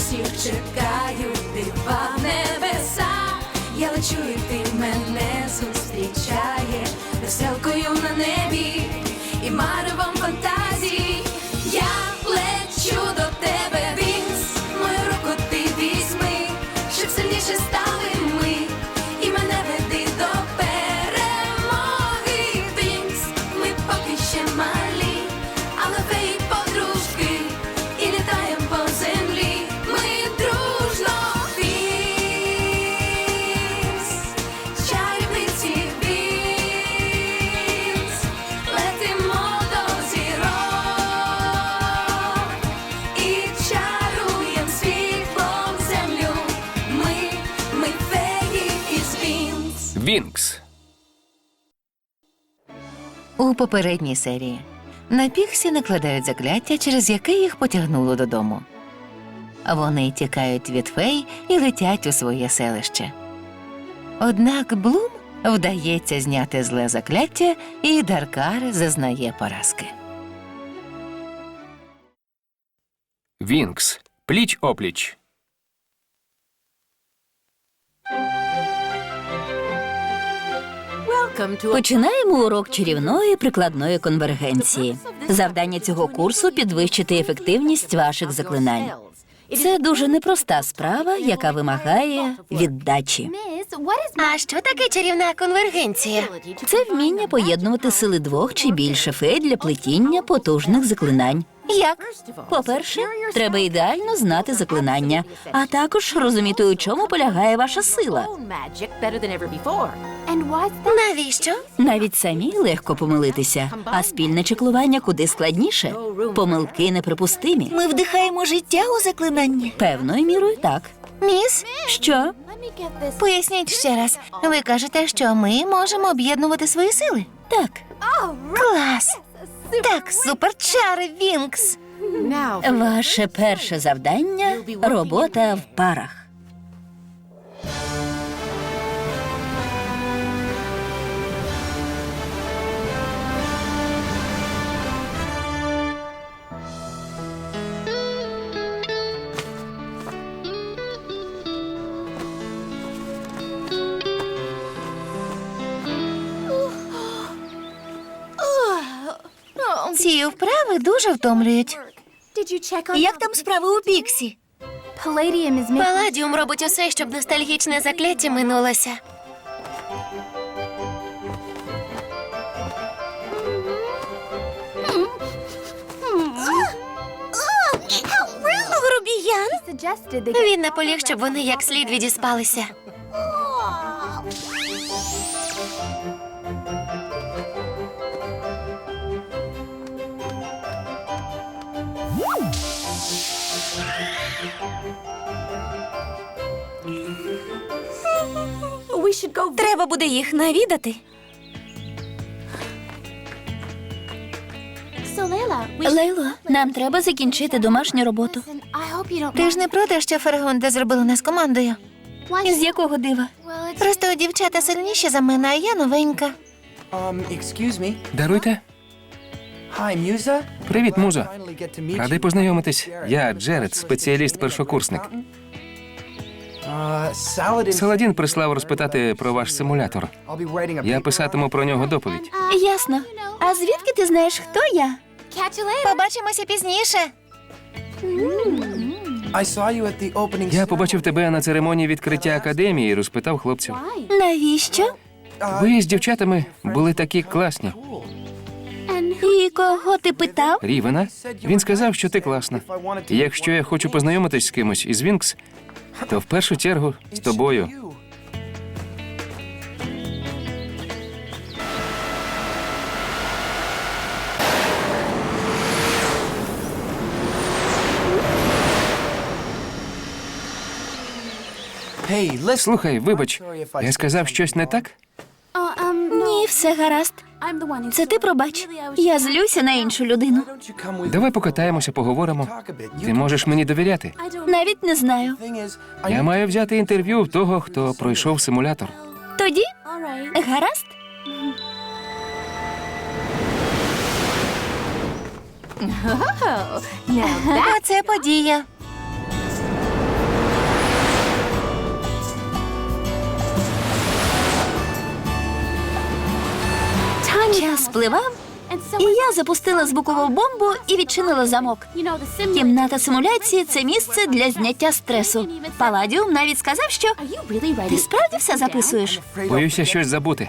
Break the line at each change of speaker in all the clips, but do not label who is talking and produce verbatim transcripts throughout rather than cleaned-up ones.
усіх чекаю дива в небесах. Я лечу, і ти мене зустрічає веселкою на небі і маревом фантазій. Я лечу до тебе, Вінкс, мою руку ти візьми, щоб сильніше стали ми, і мене веди до перемоги. Вінкс, ми поки ще малі, але феї подружки, і літаєм по землі ми дружно. Вінкс, чарівниці Вінкс, летимо до зірок і чаруєм світлом землю. Ми, ми феї із Вінкс.
Вінкс.
У попередній серії на Піксі накладають закляття, через яке їх потягнуло додому. Вони тікають від фей і летять у своє селище. Однак Блум вдається зняти зле закляття, і Даркар зазнає поразки.
Вінкс. Пліч-опліч.
Починаємо урок чарівної прикладної конвергенції. Завдання цього курсу – підвищити ефективність ваших заклинань. Це дуже непроста справа, яка вимагає віддачі.
А що таке чарівна конвергенція?
Це вміння поєднувати сили двох чи більше фей для плетіння потужних заклинань.
Як?
По-перше, треба ідеально знати заклинання, а також розуміти, у чому полягає ваша сила.
Навіщо?
Навіть самі легко помилитися, а спільне чеклування куди складніше. Помилки неприпустимі.
Ми вдихаємо життя у заклинання.
Певною мірою так.
Міс,
Що?
поясніть ще раз. Ви кажете, що ми можемо об'єднувати свої сили?
Так.
Клас! Так, суперчари, Вінкс!
Ваше перше завдання – робота в парах.
Ці вправи дуже втомлюють.
Як там справи у Піксі?
Паладіум робить усе, щоб ностальгічне закляття минулося. Грубіян? Він наполіг, щоб вони як слід відіспалися.
Треба буде їх навідати.
Лейло, нам треба закінчити домашню роботу.
Ти ж не проти, що Фергунда зробила нас командою?
З якого дива?
Просто дівчата сильніші за мене, а я новенька.
Um, excuse me.
Даруйте.
Hi, Musa.
Привіт, Музо.
Finally get to meet
Радий
you.
познайомитись. Я Джеред, спеціаліст-першокурсник.
Uh, Saladin.
Саладін прислав розпитати про ваш симулятор.
I'll be writing a
Я
paper.
писатиму про нього доповідь.
Ясно. А звідки ти знаєш, хто я?
Побачимося пізніше.
I saw you at the opening.
Я побачив тебе на церемонії відкриття академії і розпитав хлопців.
Навіщо?
Ви з дівчатами були такі класні.
І кого ти питав?
Рівена? Він сказав, що ти класна. І якщо я хочу познайомитись з кимось із Вінкс, то в першу чергу з тобою.
Hey, listen.
Слухай, вибач, я сказав щось не так?
Ні, все гаразд. Це ти пробач. Я злюся на іншу людину.
Don't you come with
Давай покатаємося, поговоримо.
talk a bit? You
Ти можеш мені довіряти.
Навіть не знаю.
thing is, I
Я маю взяти інтерв'ю в того, хто пройшов симулятор.
Тоді? Гаразд?
Оце подія.
Час спливав, і я запустила звукову бомбу і відчинила замок. Кімната симуляції – це місце для зняття стресу. Паладіум навіть сказав, що ти справді все записуєш?
Боюся щось забути.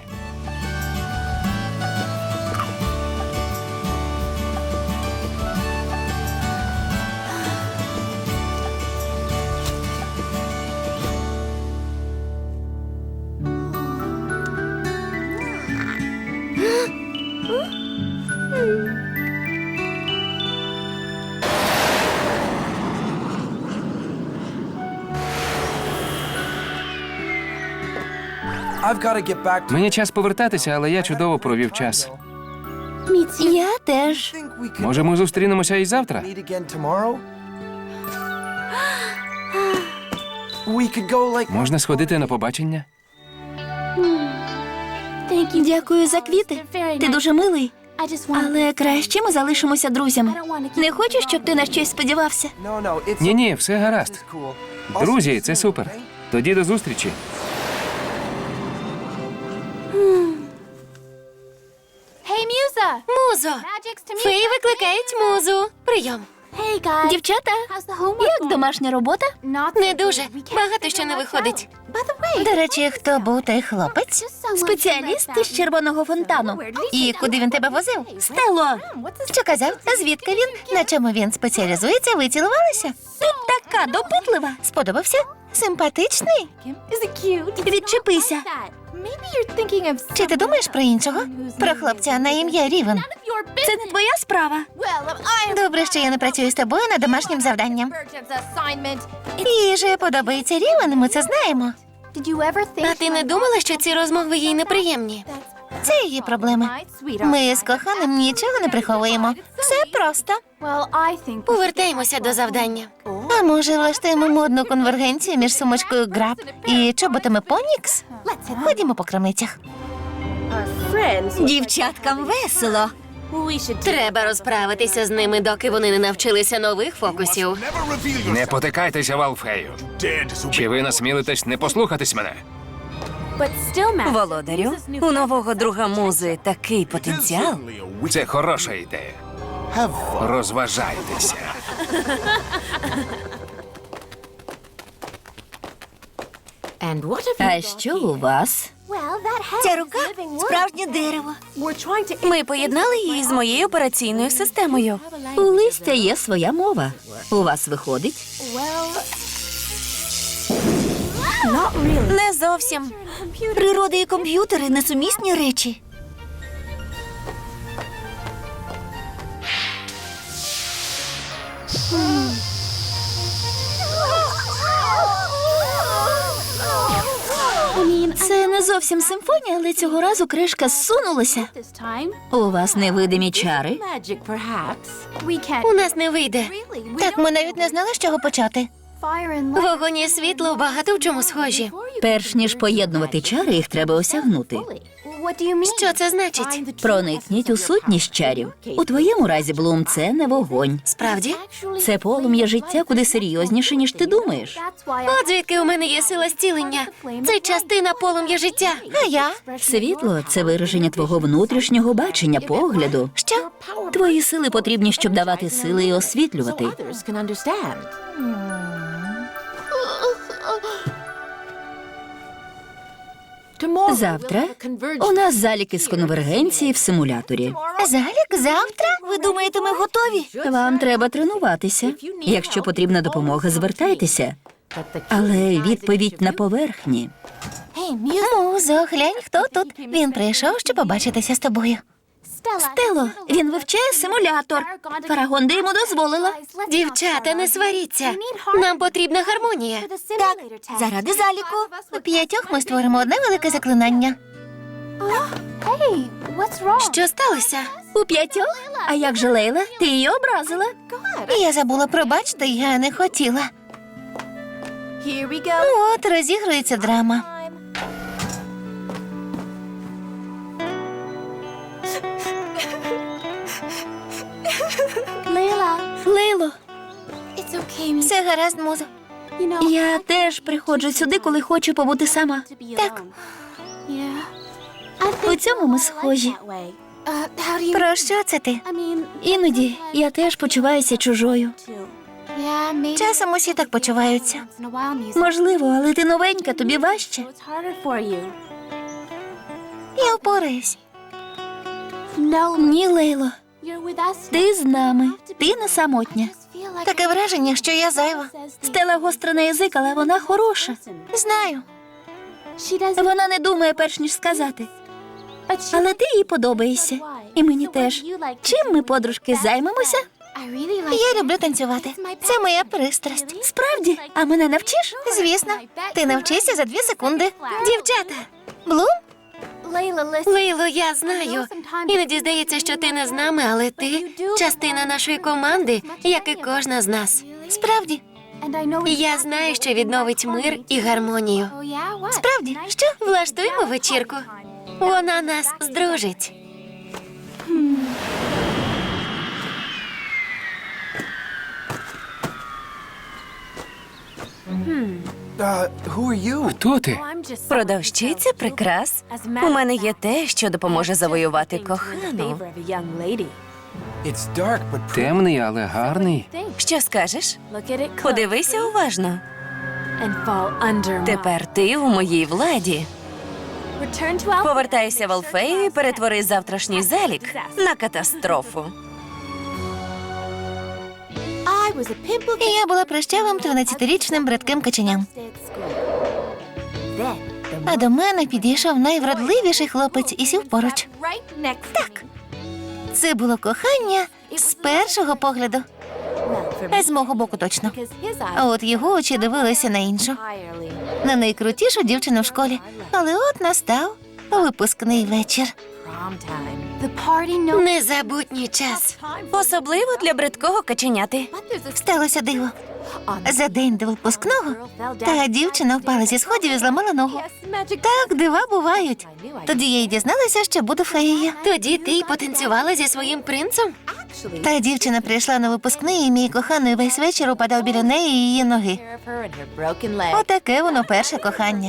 I've got to get back to.
Мені час повертатися, але я чудово провів час.
Я теж.
Think we could
Може, ми зустрінемося і завтра?
meet again tomorrow? We could go like.
Можна сходити на побачення?
Дякую за квіти. Ти дуже милий. Але краще ми залишимося друзями. Не хочу, щоб ти на щось сподівався.
No, no, it's.
Ні-ні, все гаразд.
It's cool. I'll see
Друзі,
you
це
soon,
супер.
okay?
Тоді до зустрічі.
Музо! Феї викликають музу. Прийом.
Дівчата, як домашня робота?
Не дуже. Багато що не виходить.
До речі, хто був той хлопець?
Спеціаліст із червоного фонтану.
І куди він тебе возив?
Стело,
Що казав? Звідки він? На чому він спеціалізується? Ви цілувалися?
ти така допитлива.
Сподобався? Симпатичний?
Відчепися.
Чи ти думаєш про іншого? Про хлопця на ім'я Рівен.
Це не твоя справа.
Добре, що я не працюю з тобою над домашнім завданням. Їй подобається Рівен, ми це знаємо.
А ти не думала, що ці розмови їй неприємні?
Це її проблема. Ми з коханим нічого не приховуємо. Все просто.
Повертаємося до завдання.
А може, влаштуємо модну конвергенцію між сумочкою Граб і чоботами Понікс? Ходімо по крамницях.
Дівчаткам весело.
Треба розправитися з ними, доки вони не навчилися нових фокусів.
Не потикайтеся, Валфею. Чи ви насмілитесь не послухатись мене?
Володарю, у нового друга музи такий потенціал.
Це хороша ідея. Розважайтеся.
А що у вас?
Ця рука – справжнє дерево.
Ми поєднали її з моєю операційною системою.
У листя є своя мова. У вас виходить?
Не зовсім.
Природа і комп'ютери – несумісні речі.
Це не зовсім симфонія, але цього разу кришка зсунулася. У вас невидимі чари?
У нас не вийде.
Так, ми навіть не знали, з чого почати.
Вогонь і світло багато в чому схожі.
Перш ніж поєднувати чари, їх треба осягнути.
Що це значить?
Проникніть у сутність чарів. У твоєму разі, Блум, це не вогонь.
Справді?
Це полум'я життя куди серйозніше, ніж ти думаєш.
От звідки у мене є сила зцілення. Це частина полум'я життя.
А я?
Світло – це вираження твого внутрішнього бачення, погляду.
Що?
Твої сили потрібні, щоб давати сили і освітлювати. Завтра у нас заліки з конвергенції в симуляторі.
Залік завтра?
Ви думаєте, ми готові?
Вам треба тренуватися. Якщо потрібна допомога, звертайтеся. Але відповідь на поверхні.
Музо, глянь, хто тут. Він прийшов, щоб побачитися з тобою.
Стело, він вивчає симулятор. Фарагонда йому дозволила.
Дівчата, не сваріться. Нам потрібна гармонія.
Так, заради заліку.
У п'ятьох ми створимо одне велике заклинання.
Що сталося?
У п'ятьох? А як же Лейла? Ти її образила?
Я забула, пробачте, я не хотіла. От, розігрується драма.
Лейло,
Все гаразд, музо.
я теж приходжу сюди, коли хочу побути сама.
Так.
У цьому ми схожі.
Про що це ти?
Іноді я теж почуваюся чужою.
Часом усі так почуваються.
Можливо, але ти новенька, тобі важче.
Я впораюсь.
Ні, Лейло, ти з нами, ти не самотня.
Таке враження, що я зайва.
Стела гостра на язик, але вона хороша.
Знаю.
Вона не думає перш ніж сказати. Але ти їй подобаєшся. І мені теж. Чим ми, подружки, займемося?
Я люблю танцювати. Це моя пристрасть.
Справді? А мене навчиш?
Звісно. Ти навчишся за дві секунди. Дівчата. Блум?
Лейло, я знаю. Іноді здається, що ти не з нами, але ти частина нашої команди, як і кожна з нас.
Справді.
Я знаю, що відновить мир і гармонію.
Справді. Що?
Влаштуємо вечірку. Вона нас здружить.
Uh, who are you?
Хто ти?
Продавщиця прикрас. У мене є те, що допоможе завоювати кохану.
It's dark, but pretty.
Темний, але гарний.
Що скажеш? Подивися уважно. Тепер ти у моїй владі. Повертайся в Алфею і перетвори завтрашній залік на катастрофу.
Я була прищавим тринадцятирічним братким каченям. А до мене підійшов найвродливіший хлопець і сів поруч. Так. Це було кохання з першого погляду. З мого боку точно. А от його очі дивилися на іншу. На найкрутішу дівчину в школі. Але от настав випускний вечір.
Незабутній час. Особливо для бридкого каченяти.
Сталося диво. За день до випускного та дівчина впала зі сходів і зламала ногу. Так дива бувають. Тоді я й дізналася, що буду феєю.
Тоді ти й потанцювала зі своїм принцем?
Та дівчина прийшла на випускний, і мій коханий весь вечір упадав біля неї і її ноги. Отаке воно перше кохання.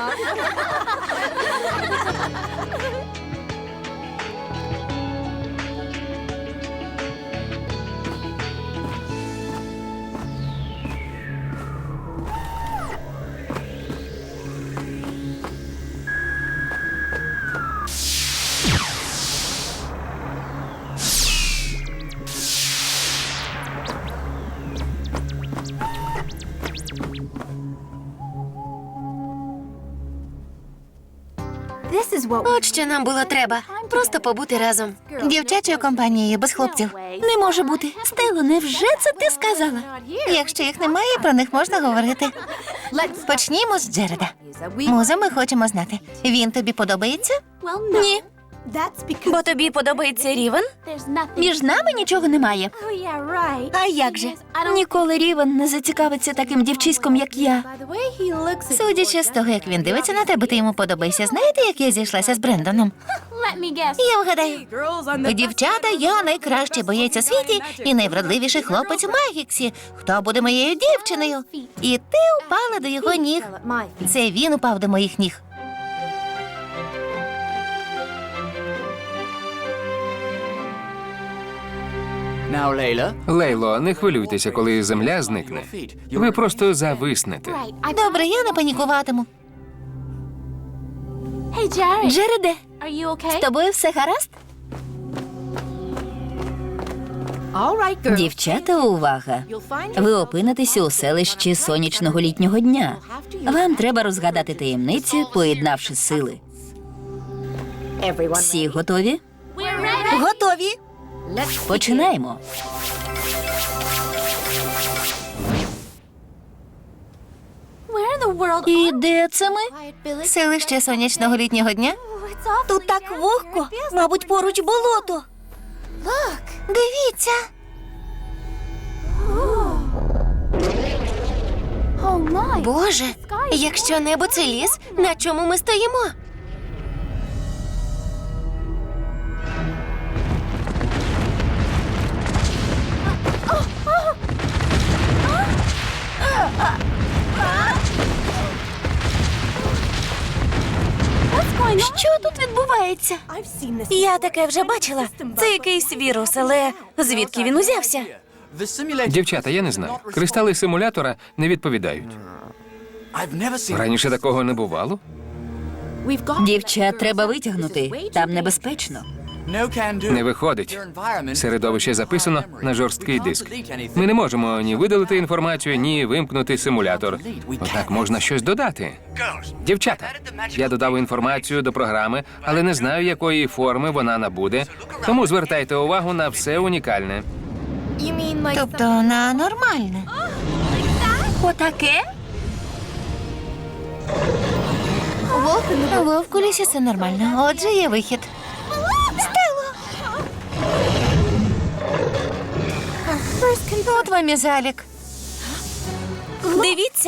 От що нам було треба. Просто побути разом.
Дівчачою компанією без хлопців.
Не може бути. Стело, невже це ти сказала?
Якщо їх немає, про них можна говорити. Почнімо з Джереда. Муза, ми хочемо знати. Він тобі подобається?
Ні. Бо тобі подобається Рівен?
Між нами нічого немає.
А як же?
Ніколи Рівен не зацікавиться таким дівчиськом, як я.
Судячи з того, як він дивиться на тебе, ти йому подобаєшся. Знаєте, як я зійшлася з Брендоном? Я вгадаю. Дівчата, я найкращий боєць у світі і найвродливіший хлопець у Магіксі. Хто буде моєю дівчиною? І ти упала до його ніг. Це він упав до моїх ніг.
Now, Layla.
Лейло, не хвилюйтеся, коли земля зникне. Ви просто зависнете.
Добре, я не панікуватиму.
Джереде, з тобою все гаразд? Дівчата, увага! Ви опинитеся у селищі сонячного літнього дня. Вам треба розгадати таємниці, поєднавши сили. Всі готові?
Готові.
Починаємо. І де це ми?
Селище сонячного літнього дня?
Тут так вогко. Мабуть, поруч болото.
Дивіться.
Боже, якщо небо це ліс, на чому ми стоїмо?
Що тут відбувається?
відбувається? Я таке вже бачила. Це якийсь вірус, але звідки він узявся?
The simulator.
Дівчата, я не знаю. Кристали симулятора не відповідають.
I've never seen.
Раніше такого не бувало.
Дівчат треба витягнути. Там небезпечно.
No can do.
Не виходить.
Your environment.
Середовище записано на жорсткий диск. Ми не можемо ні видалити інформацію, ні вимкнути симулятор. Однак можна щось додати. Дівчата, я додав інформацію до програми, але не знаю, якої форми вона набуде. Тому звертайте увагу на все унікальне.
Тобто на нормальне.
Отаке?
Вовк у лісі все нормально. Отже, є вихід. Стело! От вам і залік.
Дивіться.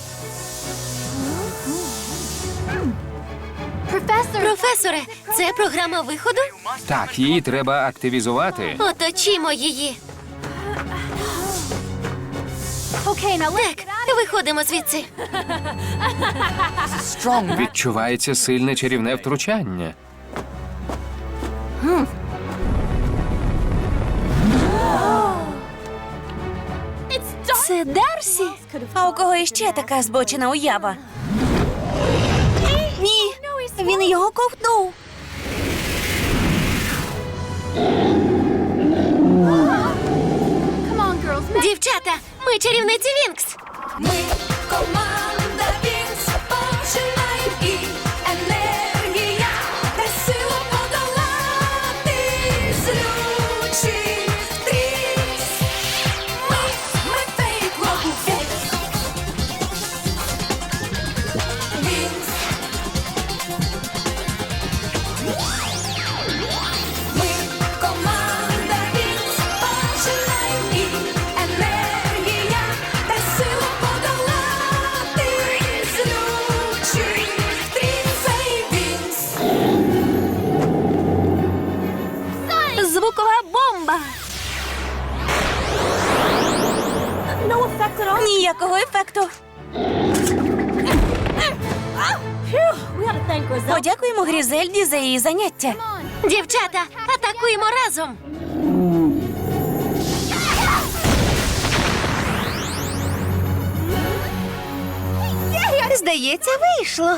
Професоре, це програма виходу?
Так, її треба активізувати.
Оточімо її. Так, виходимо звідси.
Strong.
Відчувається сильне чарівне втручання.
Це Дарсі? А у кого іще така збочена уява? Ні, він його ковтнув.
Дівчата, ми чарівниці Вінкс.
Ми команда Вінкс, починаємо і енергія, та сила подолати злючий стріс. Ми, ми фейк лобу Вінкс. Ми команда Вінкс, починаємо і енергія, та сила подолати злючий стріс. Цей Вінкс.
Звукова бомба. Ніякого ефекту. Подякуємо Грізельді за її заняття.
Дівчата, атакуємо разом.
Здається, вийшло.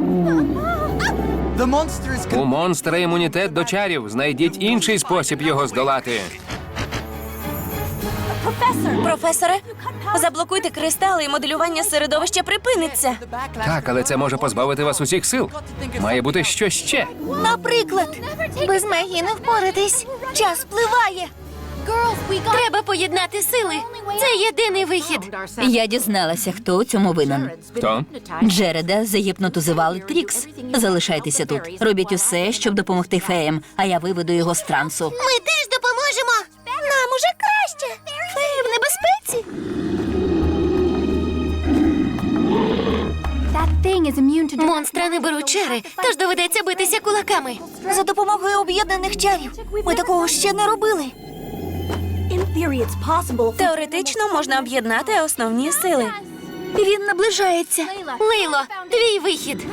The monster is.
У монстра імунітет до чарів. Знайдіть інший спосіб його здолати.
Професоре, заблокуйте кристали і моделювання середовища припиниться.
Так, але це може позбавити вас усіх сил. Має бути щось ще.
Наприклад,
Без магії не впоратись.
час впливає.
Треба поєднати сили. Це єдиний вихід.
Я дізналася, хто у цьому винен.
Хто?
Джереда загіпнотизували Трікс. Залишайтеся тут. Робіть усе, щоб допомогти феям, а я виведу його з трансу.
Ми теж допоможемо. Нам уже краще. Феї в небезпеці.
Монстра не беруть чари, тож доведеться битися кулаками.
За допомогою об'єднаних чарів. Ми такого ще не робили. Теоретично можна об'єднати основні сили. Він наближається.
Лейло, твій вихід.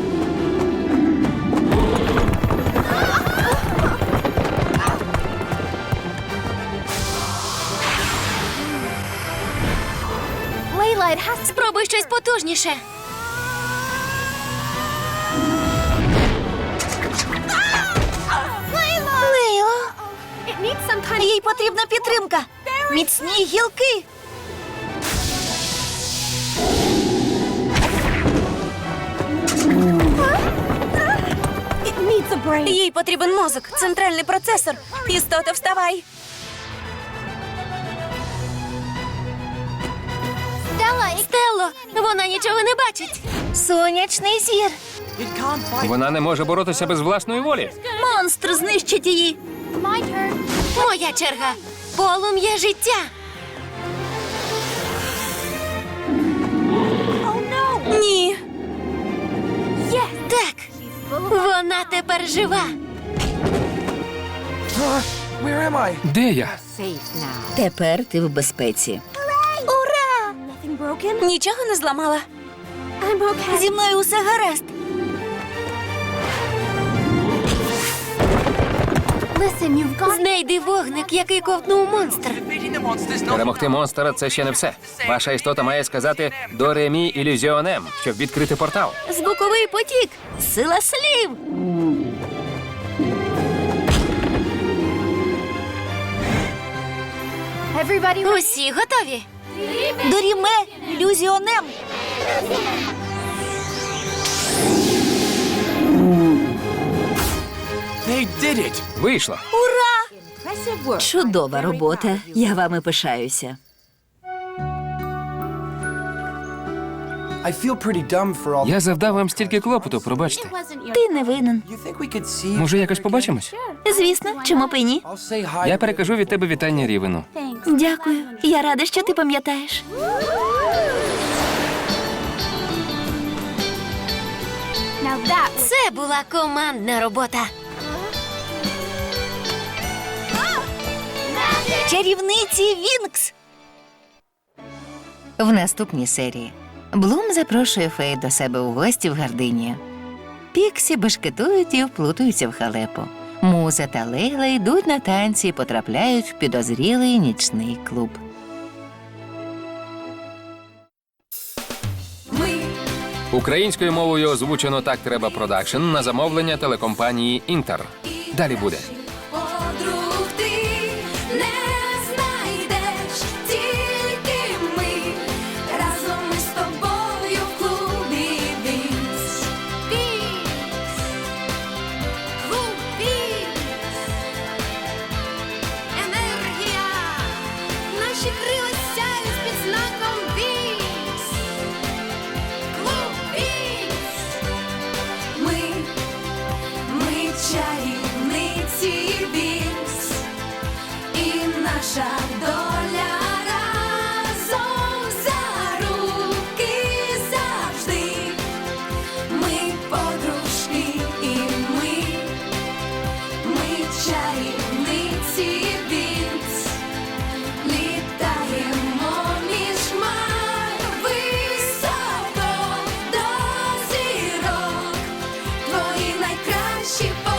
Спробуй щось потужніше.
Лейло.
Їй потрібна підтримка. Міцні гілки. Їй потрібен мозок, центральний процесор. Істота, вставай.
Стелло, вона нічого не бачить.
Сонячний зір.
It can't fight.
Вона не може боротися без власної волі.
Монстр знищить її.
Моя черга. Полум'я життя.
Ні.
Так, вона тепер жива.
Uh, where am I?
Де я?
Тепер ти в безпеці.
Ура! Нічого не зламала. Зі мною усе гаразд.
Знайди вогник, який ковтнув монстр.
Перемогти монстра – це ще не все. Ваша істота має сказати «до ремі ілюзіонем», щоб відкрити портал.
Звуковий потік. Сила слів.
Усі готові?
Доріме, ілюзіонем.
They did it!
Вийшло.
Чудова робота. Я вами пишаюся.
I feel pretty dumb for all.
Я завдав вам стільки клопоту, пробачте.
Ти не винен.
You think we could see?
Може, якось побачимось?
Звісно, чому б і ні?
I'll say hi.
Я перекажу від тебе вітання Рівену.
Дякую. Я рада, що ти пам'ятаєш.
Це була командна робота.
Чарівниці Вінкс.
В наступній серії Блум запрошує фей до себе у гості в Гардинію. Піксі бешкетують і вплутуються в халепу. Муза та Лейла йдуть на танці і потрапляють в підозрілий нічний клуб.
Ми
Українською мовою озвучено «Так треба продакшн» на замовлення телекомпанії «Інтер». Далі буде.
подруг ти не знайдеш, тільки ми разом ми з тобою в клубі Вінкс. Вінкс. Клуб Вінкс. Енергія. Наші крила сяють під знаком Вінкс. Клуб Вінкс. Ми Ми чарівниці Вінкс, і наша доля разом за руки завжди. Ми подружки і ми, ми чарівниці Вінкс, літаємо між хмар високо до зірок. Твої найкращі